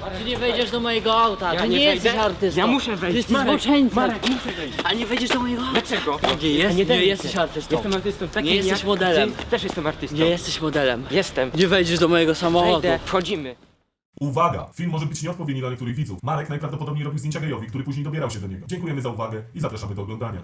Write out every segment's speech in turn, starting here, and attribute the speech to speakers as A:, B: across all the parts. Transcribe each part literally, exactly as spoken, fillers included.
A: Ty nie wejdziesz do mojego auta,
B: Ja
A: ty
B: nie
A: nie,
B: wejdę.
A: jesteś artystą.
B: Ja muszę wejść.
A: Ty jesteś
B: Marek,
A: zboczeńcem.
B: Marek, muszę wejść.
A: A nie wejdziesz do mojego auta.
B: Dlaczego?
A: Nie, jest, nie,
B: daj mi
A: jesteś
B: się.
A: artystą.
B: Jestem artystą takim
A: Nie jesteś
B: jak
A: modelem.
B: Ty też jestem artystą.
A: Nie jesteś modelem.
B: Jestem.
A: Nie wejdziesz do mojego samochodu.
B: Wejdę. Wchodzimy.
C: Uwaga! Film może być nieodpowiedni dla niektórych widzów. Marek najprawdopodobniej robił zdjęcia gejowi, który później dobierał się do niego. Dziękujemy za uwagę i zapraszamy do oglądania.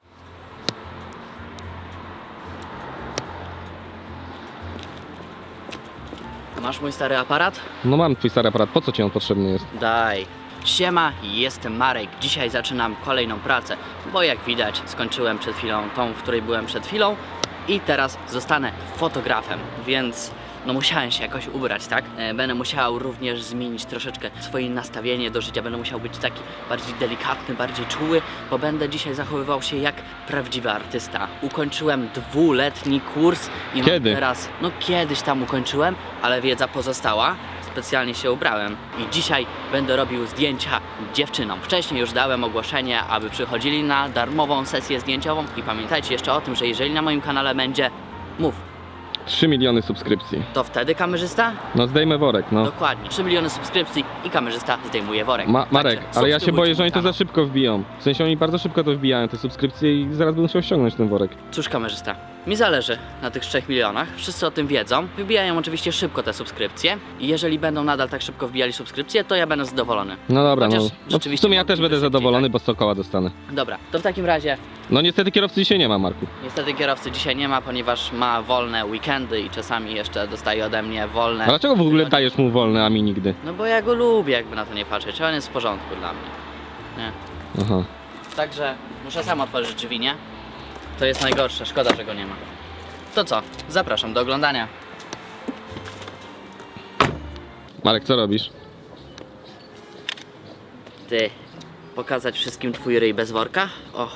A: Masz mój stary aparat?
D: No mam twój stary aparat, po co ci on potrzebny jest?
A: Daj. Siema, jestem Marek. Dzisiaj zaczynam kolejną pracę, bo jak widać skończyłem przed chwilą tą, w której byłem przed chwilą i teraz zostanę fotografem, więc no musiałem się jakoś ubrać, tak? E, Będę musiał również zmienić troszeczkę swoje nastawienie do życia, będę musiał być taki bardziej delikatny, bardziej czuły, bo będę dzisiaj zachowywał się jak prawdziwy artysta. Ukończyłem dwuletni kurs i mam
D: Kiedy?
A: teraz, no kiedyś tam ukończyłem, ale wiedza pozostała. Specjalnie się ubrałem i dzisiaj będę robił zdjęcia dziewczynom. Wcześniej już dałem ogłoszenie, aby przychodzili na darmową sesję zdjęciową i pamiętajcie jeszcze o tym, że jeżeli na moim kanale będzie mów,
D: trzy miliony subskrypcji.
A: to wtedy kamerzysta?
D: No zdejmę worek, no.
A: Dokładnie. trzy miliony subskrypcji i kamerzysta zdejmuje worek.
D: Ma Marek,
A: Także
D: ale ja się
A: subskrybujcie
D: boję, że
A: mój
D: oni to
A: kanał.
D: za szybko wbiją. W sensie oni bardzo szybko to wbijają, te subskrypcje i zaraz będę musiał ściągnąć ten worek.
A: Cóż kamerzysta, mi zależy na tych trzech milionach, wszyscy o tym wiedzą. Wybijają oczywiście szybko te subskrypcje i jeżeli będą nadal tak szybko wbijali subskrypcje, to ja będę zadowolony.
D: No dobra,
A: Chociaż
D: no. no. W
A: rzeczywiście
D: sumie ja
A: mogliby
D: też będę
A: szybciej,
D: zadowolony,
A: tak?
D: bo sto koła dostanę.
A: Dobra, to w takim razie
D: No niestety kierowcy dzisiaj nie ma, Marku.
A: niestety kierowcy dzisiaj nie ma, ponieważ ma wolne weekendy i czasami jeszcze dostaje ode mnie wolne.
D: A dlaczego w ogóle
A: tygodnie.
D: dajesz mu wolne, a mi nigdy?
A: No bo ja go lubię, jakby na to nie patrzeć, on jest w porządku dla mnie. Nie.
D: Aha.
A: Także muszę sam otworzyć drzwi, nie? To jest najgorsze, szkoda, że go nie ma. To co? Zapraszam do oglądania.
D: Marek, co robisz?
A: Ty, pokazać wszystkim twój ryj bez worka? O,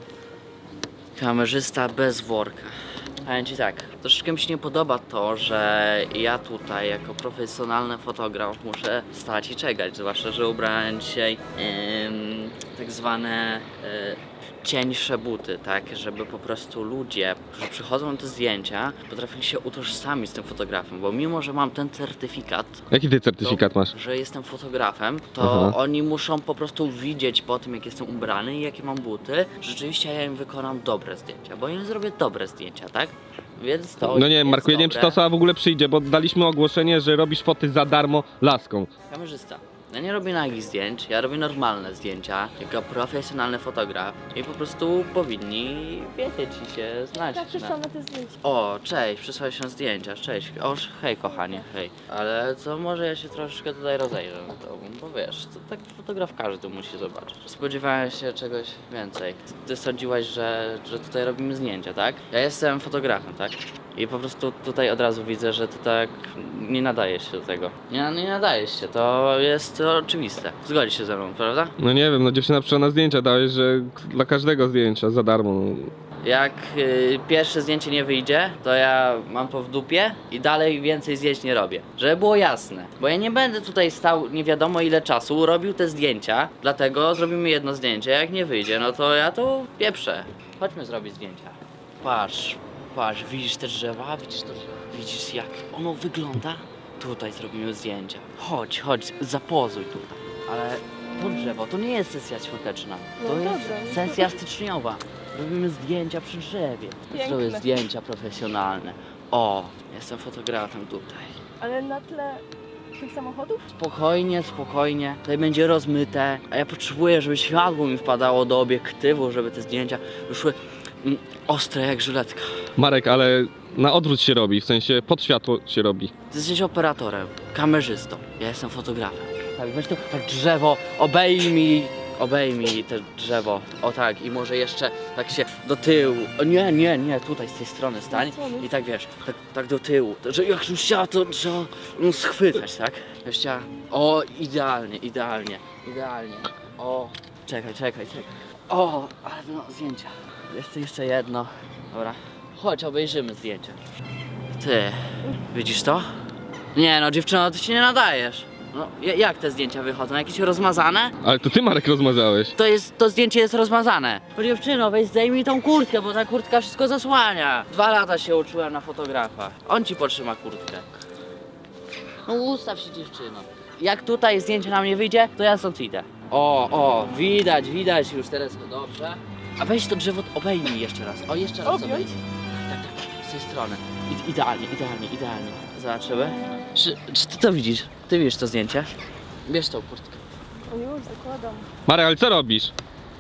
A: kamerzysta bez worka. Powiem ci tak, troszeczkę mi się nie podoba to, że ja tutaj jako profesjonalny fotograf muszę stać i czekać, zwłaszcza, że ubrałem dzisiaj ym, tak zwane y, cieńsze buty, tak, żeby po prostu ludzie, którzy przychodzą na te zdjęcia, potrafili się utożsamić z tym fotografem, bo mimo, że mam ten certyfikat,
D: Jaki ty certyfikat masz?
A: że jestem fotografem, to
D: Aha.
A: oni muszą po prostu widzieć po tym, jak jestem ubrany i jakie mam buty, rzeczywiście ja im wykonam dobre zdjęcia, bo im zrobię dobre zdjęcia, tak? Więc to
D: No nie wiem,
A: jest
D: Marku, ja nie wiem, czy ta
A: dobre.
D: osoba w ogóle przyjdzie, bo daliśmy ogłoszenie, że robisz foty za darmo laską.
A: Kamerzysta. Ja nie robię nagich zdjęć, ja robię normalne zdjęcia, jako profesjonalny fotograf i po prostu powinni wiedzieć i się znać.
E: Tak, przyszłam na te zdjęcia.
A: O, cześć, przysłałeś się zdjęcia, cześć. O, hej kochanie, hej. Ale co, może ja się troszeczkę tutaj rozejrzę na to, bo wiesz, to tak fotograf każdy musi zobaczyć. Spodziewałem się czegoś więcej. Ty sądziłaś, że, że tutaj robimy zdjęcia, tak? Ja jestem fotografem, tak? I po prostu tutaj od razu widzę, że ty tak nie nadajesz się do tego. Nie, nie nadajesz się, to jest oczywiste. Zgodzisz się ze mną, prawda?
D: No nie wiem, no dziewczyna przyszła na zdjęcia, dałeś, że dla każdego zdjęcia za darmo. No.
A: Jak y, pierwsze zdjęcie nie wyjdzie, to ja mam to w dupie i dalej więcej zdjęć nie robię. Żeby było jasne. Bo ja nie będę tutaj stał nie wiadomo ile czasu, robił te zdjęcia, dlatego zrobimy jedno zdjęcie. Jak nie wyjdzie, no to ja to pieprzę. Chodźmy zrobić zdjęcia. Patrz, patrz, widzisz te drzewa? Widzisz to drzewo? Widzisz jak ono wygląda? Tutaj zrobimy zdjęcia. Chodź, chodź, zapozuj tutaj. Ale to drzewo to nie jest sesja świąteczna. To
E: No
A: jest
E: dobrze.
A: sesja styczniowa. Robimy zdjęcia przy drzewie.
E: Piękne.
A: Zrobię zdjęcia profesjonalne. O, jestem fotografem tutaj.
E: Ale na tle tych samochodów?
A: Spokojnie, spokojnie. Tutaj będzie rozmyte. A ja potrzebuję, żeby światło mi wpadało do obiektywu, żeby te zdjęcia wyszły mm, ostre jak żyletka.
D: Marek, ale na odwrót się robi, w sensie pod światło się robi.
A: Ty jesteś operatorem, kamerzystą. Ja jestem fotografem. Tak, weź to tak drzewo, obejmij, obejmij te drzewo. O tak, i może jeszcze tak się do tyłu. O nie, nie, nie, tutaj z tej strony stań. I tak wiesz, tak, tak do tyłu. Że jak już chciała, to trzeba no, schwytać, tak? Już chciała. O, idealnie, idealnie, idealnie. O, czekaj, czekaj, czekaj. O, ale no, zdjęcia. Jeszcze, jeszcze jedno. Dobra. Chodź, obejrzymy zdjęcia. Ty, widzisz to? Nie no, dziewczyno, ty się nie nadajesz. No, ja- jak te zdjęcia wychodzą? Jakieś rozmazane?
D: Ale to ty, Marek, rozmazałeś.
A: To jest, to zdjęcie jest rozmazane. Bo dziewczyno, weź zdejmij tą kurtkę, bo ta kurtka wszystko zasłania. Dwa lata się uczyłem na fotografa. On ci potrzyma kurtkę. No ustaw się, dziewczyno. Jak tutaj zdjęcie na mnie wyjdzie, to ja stąd idę. O, o, widać, widać już teraz to dobrze. A weź to drzewo, obejmij jeszcze raz. O, jeszcze raz
E: Objąć?
A: obejmij. Tak, tak, z tej strony. I, idealnie, idealnie, idealnie. Zobaczymy. Czy, czy ty to widzisz? Ty widzisz to zdjęcie? Bierz tą kurtkę.
E: O już, zakładam.
D: Marek, ale co robisz?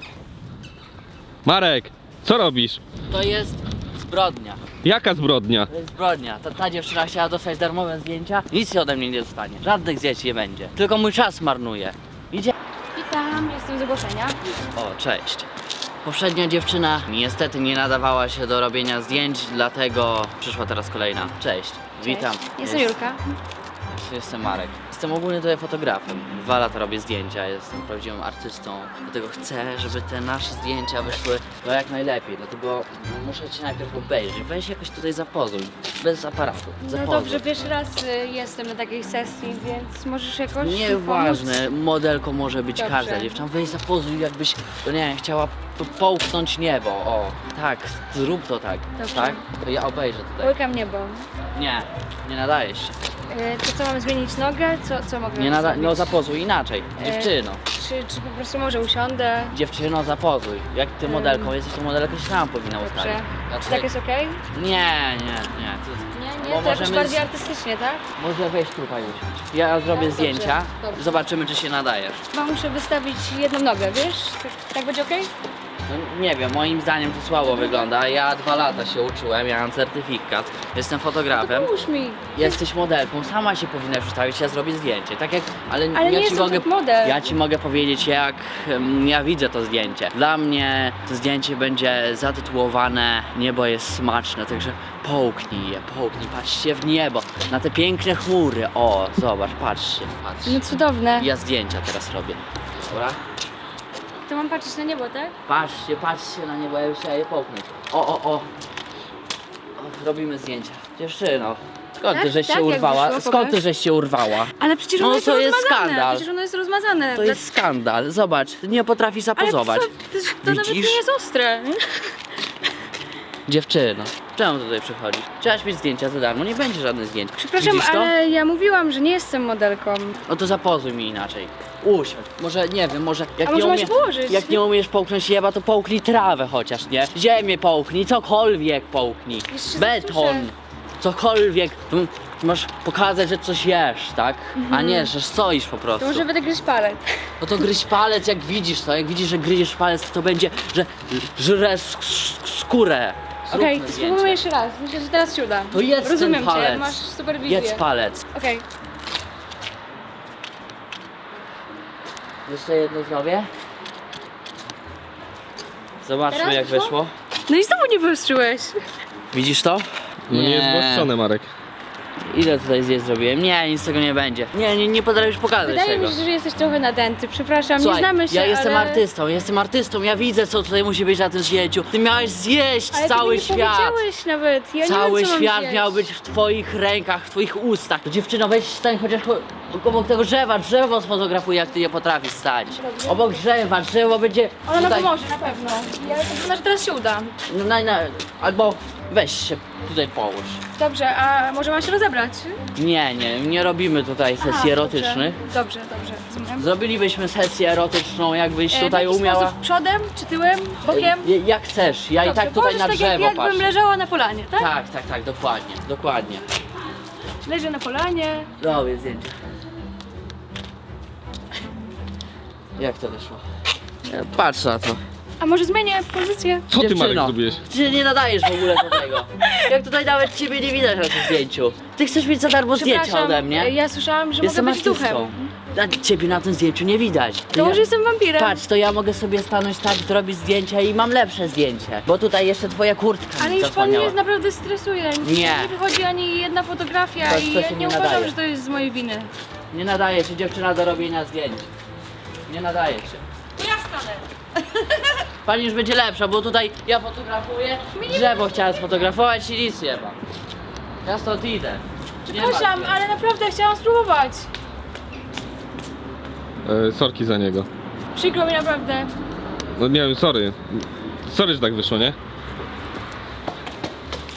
D: Marek, co robisz?
A: To jest zbrodnia.
D: Jaka zbrodnia?
A: To jest zbrodnia. Ta, ta dziewczyna chciała dostać darmowe zdjęcia. Nic się ode mnie nie dostanie. Żadnych zdjęć nie będzie. Tylko mój czas marnuje. Idzie.
B: Witam, jestem z ogłoszenia.
A: O, cześć. Poprzednia dziewczyna niestety nie nadawała się do robienia zdjęć, dlatego przyszła teraz kolejna. Cześć. Witam.
B: Jestem
A: Jest-
B: Julka.
A: Jestem Marek. Jestem ogólnie tutaj fotografem. Dwa lata robię zdjęcia, jestem prawdziwym artystą. Dlatego chcę, żeby te nasze zdjęcia wyszły no jak najlepiej. Dlatego muszę cię najpierw obejrzeć. Weź jakoś tutaj zapozuj. Bez aparatu.
B: No
A: Zapozuj.
B: dobrze, pierwszy raz y, jestem na takiej sesji, więc możesz jakoś
A: Nieważne,
B: pomóc?
A: modelką może być
B: Dobrze.
A: każda dziewczyna. Weź zapozuj, jakbyś, no nie wiem, chciała po- połknąć niebo. O, tak, zrób to tak.
B: Dobrze.
A: Tak? To ja obejrzę tutaj.
B: Łykam niebo.
A: Nie, nie nadajesz się.
B: Y, to co, mam zmienić nogę? Co, co mogę
A: Nie nada-
B: zrobić?
A: no zapozuj inaczej.
B: E,
A: Dziewczyno.
B: Czy, czy po prostu może usiądę?
A: Dziewczyno, zapozuj. Jak ty modelką jesteś, to modelkę się sama powinna
B: Dobrze.
A: ustawić.
B: Czy
A: Znaczy,
B: tak jest okej?
A: Nie, nie, nie. To-
B: Nie,
A: Bo
B: nie, to jakoś
A: możemy
B: bardziej
A: z-
B: artystycznie, tak?
A: Może wejść tutaj usiąść. Ja zrobię
B: Tak, dobrze,
A: zdjęcia.
B: dobrze.
A: Zobaczymy, czy się nadajesz.
B: Chyba muszę wystawić jedną nogę, wiesz? Tak, tak będzie okej?
A: No, nie wiem, moim zdaniem to słabo wygląda. Ja dwa lata się uczyłem, ja mam certyfikat, jestem fotografem.
B: Pomóż mi.
A: Jesteś modelką, sama się powinnaś ustawić, ja zrobię zdjęcie. Tak jak, ale,
B: Ale
A: ja
B: nie
A: ci
B: jestem
A: mogę,
B: top model.
A: ja ci mogę powiedzieć, jak em, ja widzę to zdjęcie. Dla mnie to zdjęcie będzie zatytułowane Niebo jest smaczne, także połknij je, połknij, patrzcie w niebo, na te piękne chmury. O, zobacz, patrzcie, patrzcie.
B: No cudowne.
A: Ja zdjęcia teraz robię. Dobra?
B: To mam patrzeć na niebo, tak?
A: Patrzcie, patrzcie na niebo, ja już chciałem je połknąć. O, o, o. o robimy zdjęcia. Dziewczyno, skąd ty
B: Tak?
A: żeś
B: Tak,
A: się
B: jak
A: urwała?
B: wyszło?
A: Skąd ty
B: Pokaż.
A: żeś się urwała?
B: Ale przecież
A: No
B: ono jest
A: to jest
B: rozmazane.
A: skandal.
B: Przecież ono jest rozmazane.
A: To jest skandal. Zobacz, nie potrafi
B: Ale
A: zapozować.
B: co, to, to nawet
A: Widzisz?
B: nie jest ostre.
A: Dziewczyno, czemu tutaj przychodzisz? Chciałaś mieć zdjęcia za darmo, nie będzie żadnych zdjęć.
B: Przepraszam,
A: Widzisz to?
B: ale ja mówiłam, że nie jestem modelką.
A: No to zapozuj mi inaczej. Usiądź. Może, nie wiem, może jak
B: A
A: nie
B: może mam
A: umie...
B: się położyć?
A: Jak nie umiesz połknąć jeba, to połknij trawę chociaż, nie? Ziemię połknij, cokolwiek połknij.
B: Jeszcze
A: Beton.
B: zasłyszę.
A: Cokolwiek. Tu Masz pokazać, że coś jesz, tak? A nie, że stoisz po prostu.
B: To może będę gryźć palec.
A: No to gryź palec, jak widzisz to, jak widzisz, że gryziesz palec, to będzie, że żresz sk- skórę. Zróbmy
B: Okej,
A: zdjęcie.
B: spróbujmy jeszcze raz. Myślę, że teraz się uda.
A: To jedz
B: Rozumiem
A: ten palec.
B: cię, masz super wizję.
A: Jedz palec.
B: Okej.
A: Jeszcze jedno zrobię. Zobaczmy,
B: Teraz
A: jak
B: wyszło?
A: wyszło.
B: No i znowu nie wyostrzyłeś.
A: Widzisz to?
D: No nie jest zgłoszone, Marek.
A: Ile tutaj zdjęć zrobiłem? Nie, nic z tego nie będzie. Nie, nie, nie potrafisz pokazać
B: Wydaje
A: tego.
B: mi się, że jesteś trochę nadęty. Przepraszam,
A: Słuchaj,
B: nie znamy się,
A: ja jestem
B: ale...
A: artystą, jestem artystą, ja widzę, co tutaj musi być na tym zdjęciu. Ty miałeś zjeść
B: Ale
A: cały
B: ty mi nie
A: świat.
B: powiedziałeś nawet. Ja
A: Cały
B: nie wiem, co mam
A: świat
B: zjeść.
A: miał być w twoich rękach, w twoich ustach. To dziewczyno, weź stań chociaż ko- obok tego drzewa, drzewo sfotografuj, jak ty nie potrafisz stać.
B: Dobrze.
A: Obok drzewa, drzewo będzie
B: Ona nam
A: tutaj...
B: pomoże, na pewno. Ja wygląda, że teraz się uda.
A: No, na, na, albo weź się tutaj połóż.
B: Dobrze, a może mam się rozebrać?
A: Nie, nie, nie robimy tutaj sesji
B: A,
A: erotycznych.
B: Dobrze, dobrze, dobrze. Rozumiem.
A: Zrobilibyśmy sesję erotyczną, jakbyś
B: E,
A: tutaj
B: w jaki
A: umiała.
B: sposób? Przodem czy tyłem? Bokiem?
A: E, Jak chcesz, ja i
B: Dobrze,
A: tak tutaj
B: położysz
A: na
B: tak
A: drzewo
B: jak,
A: patrzę.
B: jakbym leżała na polanie, tak?
A: Tak, tak, tak, dokładnie, dokładnie.
B: Leżę na polanie.
A: Robię zdjęcie. Jak to wyszło? E, Patrz na to.
B: A może zmienię pozycję?
D: Co ty, Marek,
A: Dziewczyno,
D: zrobiłeś?
A: Ty się nie nadajesz w ogóle do tego. Jak tutaj nawet ciebie nie widać na tym zdjęciu. Ty chcesz mieć za darmo zdjęcia
B: Przepraszam,
A: ode mnie?
B: ja słyszałam, że
A: Jestem
B: mogę być
A: artystą.
B: duchem.
A: A ciebie na tym zdjęciu nie widać.
B: To
A: ja...
B: może jestem wampirem.
A: Patrz, to ja mogę sobie stanąć tak, zrobić zdjęcie i mam lepsze zdjęcie. Bo tutaj jeszcze twoja kurtka
B: Ale
A: mi
B: już pan
A: zasłaniała.
B: mnie naprawdę stresuje.
A: Nie.
B: Nie wychodzi ani jedna fotografia
A: To-
B: i
A: to
B: ja
A: się
B: nie
A: nie
B: uważam,
A: nadaje.
B: że to jest z mojej winy.
A: Nie nadaje się dziewczyna do robienia zdjęć. Nie nadaje się.
B: To ja stanę.
A: Pani już będzie lepsza, bo tutaj ja fotografuję, drzewo chciałem sfotografować i nic nie ma. Ja stąd idę. Nie ma
B: Przepraszam,
A: zdjęć.
B: ale naprawdę chciałam spróbować.
D: E, sorki za niego.
B: Przykro mi naprawdę.
D: No nie wiem, sorry. Sorry, że tak wyszło, nie?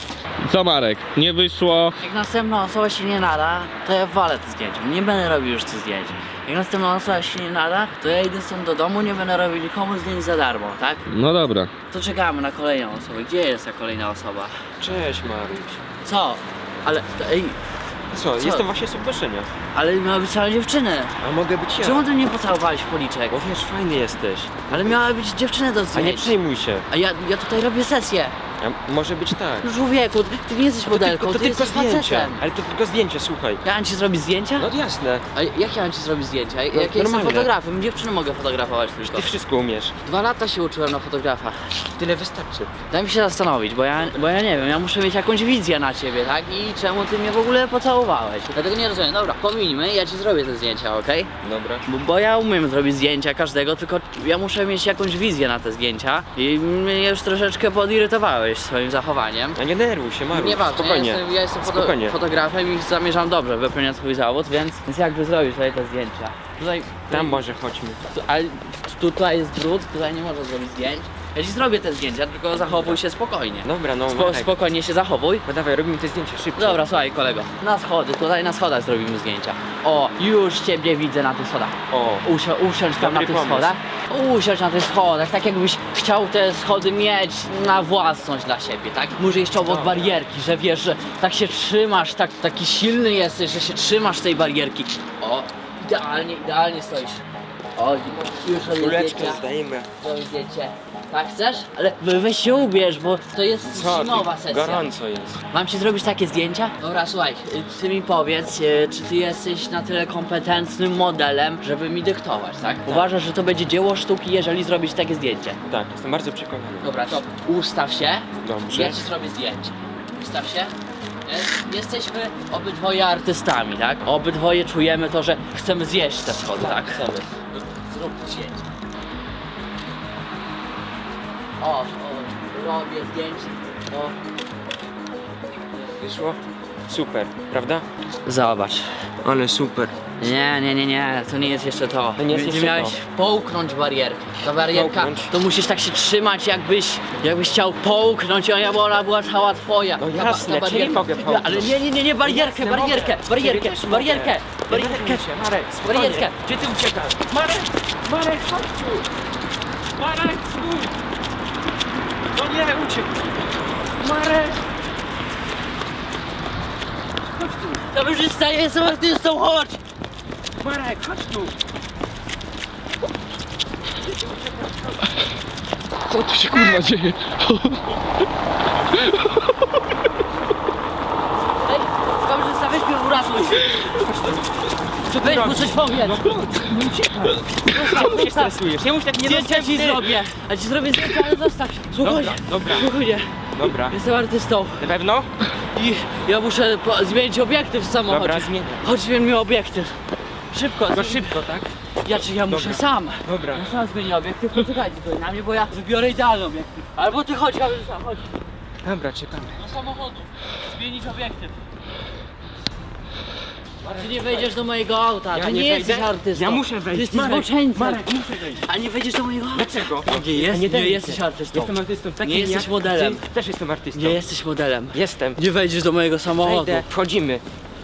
D: Co Marek? Nie wyszło.
A: Jak następna osoba się nie nada, to ja walę te zdjęcia. Nie będę robił już tych zdjęć. Jak następna osoba się nie nada, to ja idę stąd do domu, nie będę robił nikomu zdjęć za darmo, tak?
D: No dobra.
A: To czekamy na kolejną osobę. Gdzie jest ta kolejna osoba?
F: Cześć Maruś.
A: Co? Ale, ej,
F: Co,
A: Co?
F: jestem właśnie z ogłoszenia.
A: ale miała być cała dziewczyny.
F: A mogę być ja?
A: Czemu ty mnie pocałowałeś w policzek?
F: Bo wiesz, fajny jesteś.
A: Ale miała być dziewczyny do
F: A nie
A: zdjęć.
F: przejmuj się.
A: A ja, ja tutaj robię sesję.
F: A może być tak.
A: No człowieku, ty nie jesteś modelką,
F: to
A: ty
F: tylko
A: jesteś
F: zdjęcie.
A: facetem.
F: Ale to tylko zdjęcie, słuchaj.
A: Ja mam ci zrobić zdjęcia?
F: No jasne.
A: A jak ja mam ci zrobić zdjęcia? Jak
F: No,
A: ja jestem
F: normalnie.
A: fotografem, dziewczyny mogę fotografować tylko.
F: Ty wszystko umiesz.
A: Dwa lata się uczyłem na fotografa.
F: Tyle wystarczy.
A: Daj mi się zastanowić, bo ja, bo ja nie wiem, ja muszę mieć jakąś wizję na ciebie, tak? I czemu ty mnie w ogóle pocałowałeś? Dlatego nie rozumiem. Dobra, pomińmy, ja ci zrobię te zdjęcia, okej?
F: Dobra.
A: Bo, bo ja umiem zrobić zdjęcia każdego, tylko ja muszę mieć jakąś wizję na te zdjęcia i mnie już troszeczkę podirytowałeś swoim zachowaniem.
F: A nie denerwuj się, Maruś.
A: Nieważne, ja
F: Spokojnie.
A: jestem, ja jestem foto,
F: Spokojnie.
A: fotografem i zamierzam dobrze wypełniać swój zawód, więc, więc jakby zrobić tutaj te zdjęcia. Tutaj,
F: Tam może chodźmy.
A: tu, ale tutaj jest brud, tutaj nie można zrobić zdjęć. Ja ci zrobię te zdjęcia, tylko zachowuj się spokojnie.
F: Dobra, no
A: Spo,
F: Marek.
A: spokojnie się zachowuj.
F: No dawaj, robimy te zdjęcia szybko.
A: Dobra, słuchaj kolego, na schody, tutaj na schodach zrobimy zdjęcia. O, już ciebie widzę na tych schodach.
F: O.
A: Usio, usiądź tam
F: Dobry
A: na tych
F: pomysł.
A: schodach. Usiądź na tych schodach, tak jakbyś chciał te schody mieć na własność dla siebie, tak? Może jeszcze obok
F: Dobra.
A: barierki, że wiesz, że tak się trzymasz, tak, taki silny jesteś, że się trzymasz tej barierki. O, idealnie, idealnie stoisz. O, już robię
F: Kuleczkę
A: zdjęcia.
F: zdajemy.
A: Robię zdjęcie. Tak chcesz? Ale we- weź się ubierz, bo to jest
F: Co?
A: zimowa
F: Ty,
A: sesja.
F: gorąco jest.
A: Mam ci zrobić takie zdjęcia? Dobra, słuchaj, y, ty mi powiedz, y, czy ty jesteś na tyle kompetentnym modelem, żeby mi dyktować, tak? Uważasz, że to będzie dzieło sztuki, jeżeli zrobić takie zdjęcie?
F: Tak, jestem bardzo przekonany.
A: Dobra, to ustaw się.
F: Dobrze.
A: Ja ci zrobię zdjęcie. Ustaw się. Jest- Jesteśmy obydwoje artystami, tak? Obydwoje czujemy to, że chcemy zjeść te schody, tak? Chcemy. Zrób zdjęcie. O, o, robię zdjęcie. O.
F: Wyszło? Super, prawda?
A: Zobacz.
F: Ale super.
A: Nie, nie, nie, nie, to nie jest jeszcze to.
F: To nie jest
A: Ty
F: jeszcze
A: miałeś
F: to.
A: połknąć barierkę. Ta barierka,
F: Połknąć?
A: to musisz tak się trzymać, jakbyś, jakbyś chciał połknąć, a ja ona była cała twoja.
F: No
A: Ta ba-
F: jasne,
A: ta
F: czyli mogę połknąć.
A: Ale nie, nie, nie, nie, barierkę,
F: Jasne,
A: barierkę,
F: mogę.
A: barierkę,
F: Ciebie też
A: barierkę,
F: mogę.
A: barierkę,
F: Denerwuj się, Marek, spokojnie.
A: barierkę.
F: Gdzie ty uciekasz? Marek! Marek, chodź tu! Marek, stój! No nie, uciekł! Marek!
A: Kamerzysta, ja jestem artystą, chodź!
F: Marek, chodź tu!
D: Co tu się kurwa dzieje?
A: Ej, kamerzysta, weź mnie uratuj.
F: Co ty
A: Weź mu
F: robisz?
A: coś powiedz.
F: No chodź, nie uciekaj! Czemu się stresujesz? Nie mów tak
A: Zdjęcia ci zrobię, a ci zrobię zdjęcia, ale zostaw się. Spokojnie,
F: Dobra, dobra.
A: spokojnie.
F: Dobra.
A: Jestem artystą
F: Na pewno?
A: i ja muszę po- zmienić obiektyw w samochodzie.
F: Dobra, zmienię.
A: Chodź, zmień mi obiektyw. Szybko.
F: No szybko, tak?
A: Ja czy ja muszę
F: Dobra.
A: sam.
F: Dobra.
A: Ja sam zmienię obiektyw, poczekajcie tutaj na mnie, bo ja wybiorę idealny obiektyw. Albo ty chodź, kamerzysta, chodź.
F: Dobra, czekamy.
A: Do samochodu. Zmienić obiektyw. Ty nie wejdziesz do mojego auta,
F: Ja
A: ty
F: nie
A: nie,
F: wejdę?
A: jesteś artystą.
F: Ja muszę wejść.
A: Ty jesteś
F: Marek,
A: zboczeńcem.
F: Marek, muszę wejść.
A: A nie wejdziesz do mojego auta.
F: Dlaczego?
A: Nie, jest, nie,
F: denerwuj
A: jesteś
F: się.
A: artystą.
F: Jestem artystą takim
A: Nie jesteś
F: jak
A: modelem.
F: Ty też jestem artystą.
A: Nie jesteś modelem.
F: Jestem.
A: Nie wejdziesz do mojego samochodu.
F: Wejdę. Wchodzimy.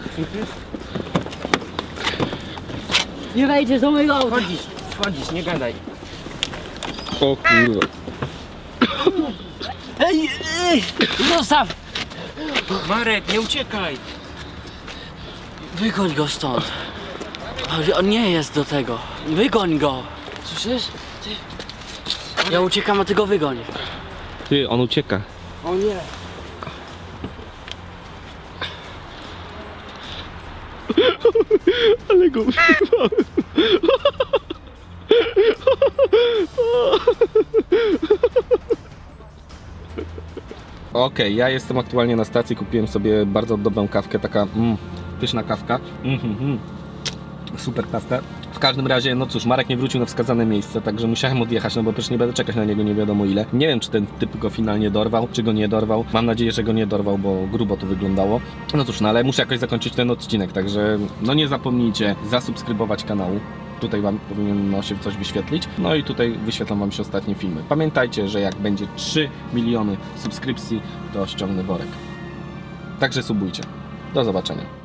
A: Nie wejdziesz do mojego auta.
F: Wchodzisz, wchodzisz, nie gadaj.
D: O kurwa.
A: Ej, ej, zostaw!
F: Marek, nie uciekaj.
A: Wygoń go stąd. Ale on nie jest do tego. Wygoń go. Słyszysz? Ty. Ja uciekam, a ty go wygoń.
D: Ty, on ucieka.
F: O nie.
D: Ale go wyrwałem. Okej, ja jestem aktualnie na stacji, kupiłem sobie bardzo dobrą kawkę, taka mm, pyszna kawka. Mm, mm, mm. Super kawka. W każdym razie, no cóż, Marek nie wrócił na wskazane miejsce, także musiałem odjechać, no bo przecież nie będę czekać na niego nie wiadomo ile. Nie wiem, czy ten typ go finalnie dorwał, czy go nie dorwał. Mam nadzieję, że go nie dorwał, bo grubo to wyglądało. No cóż, no ale muszę jakoś zakończyć ten odcinek, także no nie zapomnijcie zasubskrybować kanału. Tutaj wam powinno się coś wyświetlić. No i tutaj wyświetlam wam się ostatnie filmy. Pamiętajcie, że jak będzie trzy miliony subskrypcji, to ściągnę worek. także subujcie. Do zobaczenia.